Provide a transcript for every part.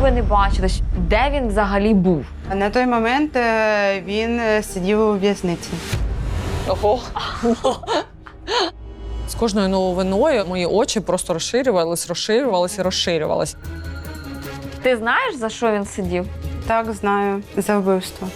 ви не бачились? Де він взагалі був? На той момент він сидів у в'язниці. Ого. З кожною новиною мої очі просто розширювались. Ти знаєш, за що він сидів? Так, знаю, за вбивство.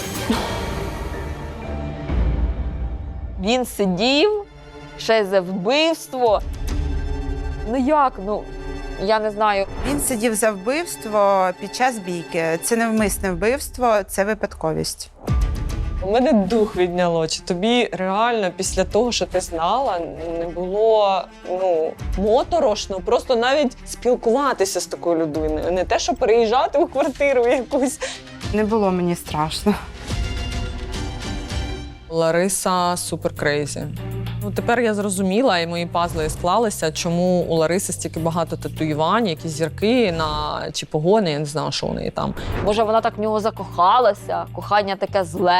Він сидів ще й за вбивство. Ну як? Ну, я не знаю. Він сидів за вбивство під час бійки. Це невмисне вбивство, це випадковість. У мене дух відняло. Чи тобі реально після того, що ти знала, не було моторошно, просто навіть спілкуватися з такою людиною, не те, що переїжджати у квартиру якусь. Не було мені страшно. Лариса супер крейзі. Тепер я зрозуміла, і мої пазли склалися, чому у Лариси стільки багато татуювань, якісь зірки чи погони, я не знаю, що у неї там. Може, вона так в нього закохалася, кохання таке зле.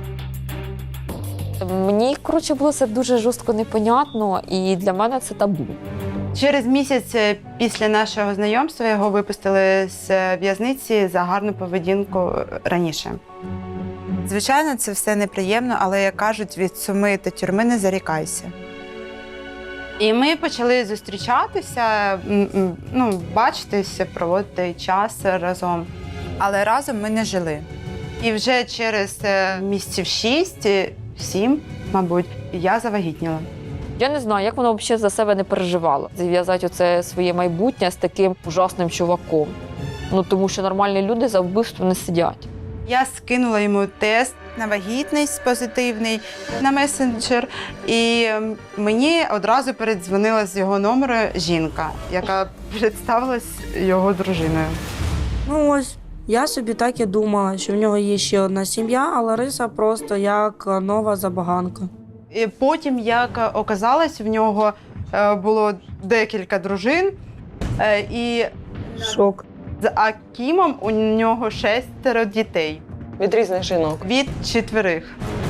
Мені, коротше, було це дуже жорстко непонятно, і для мене це табу. Через місяць після нашого знайомства його випустили з в'язниці за гарну поведінку раніше. Звичайно, це все неприємно, але, як кажуть, від суми та тюрми не зарікайся. І ми почали зустрічатися, бачитися, проводити час разом. Але разом ми не жили. І вже через місяців 6-7, мабуть, я завагітніла. Я не знаю, як вона взагалі за себе не переживала. Зв'язати оце своє майбутнє з таким ужасним чуваком. Тому що нормальні люди за вбивство не сидять. Я скинула йому тест на вагітність позитивний на месенджер, і мені одразу передзвонила з його номеру жінка, яка представилась його дружиною. Ну ось, я собі так і думала, що в нього є ще одна сім'я, а Лариса просто як нова забаганка. І потім, як оказалось, в нього було декілька дружин, і Шок. з Акімом у нього 6 дітей. Від різних жінок. Від 4.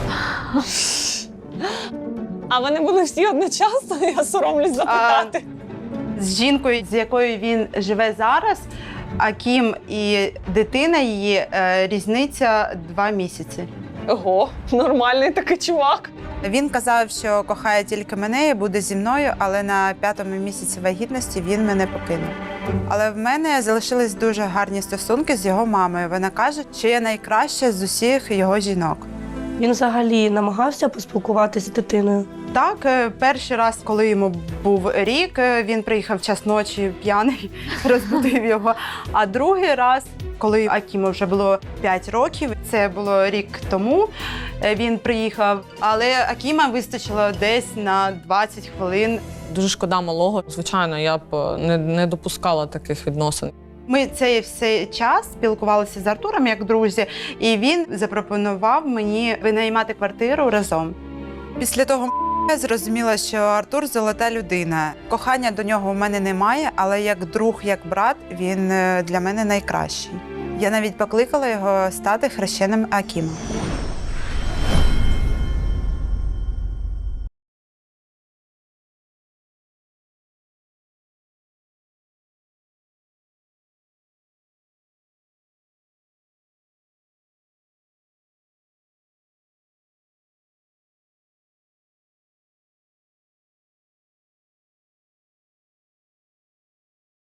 А вони були всі одночасно? Я соромлюсь запитати. З жінкою, з якою він живе зараз, Акім і дитина її, різниця 2 місяці. Ого, нормальний такий чувак. Він казав, що кохає тільки мене і буде зі мною, але на 5-му місяці вагітності він мене покинув. Але в мене залишились дуже гарні стосунки з його мамою. Вона каже, що я найкраща з усіх його жінок. Він взагалі намагався поспілкуватися з дитиною. Так, перший раз, коли йому був рік, він приїхав в час ночі п'яний, розбудив його. А другий раз, коли Акіму вже було 5 років, це було рік тому, він приїхав, але Акіма вистачило десь на 20 хвилин. Дуже шкода малого. Звичайно, я б не допускала таких відносин. Ми цей все час спілкувалися з Артуром як друзі, і він запропонував мені винаймати квартиру разом. Після того я зрозуміла, що Артур – золота людина. Кохання до нього у мене немає, але як друг, як брат, він для мене найкращий. Я навіть покликала його стати хрещеним Акімом.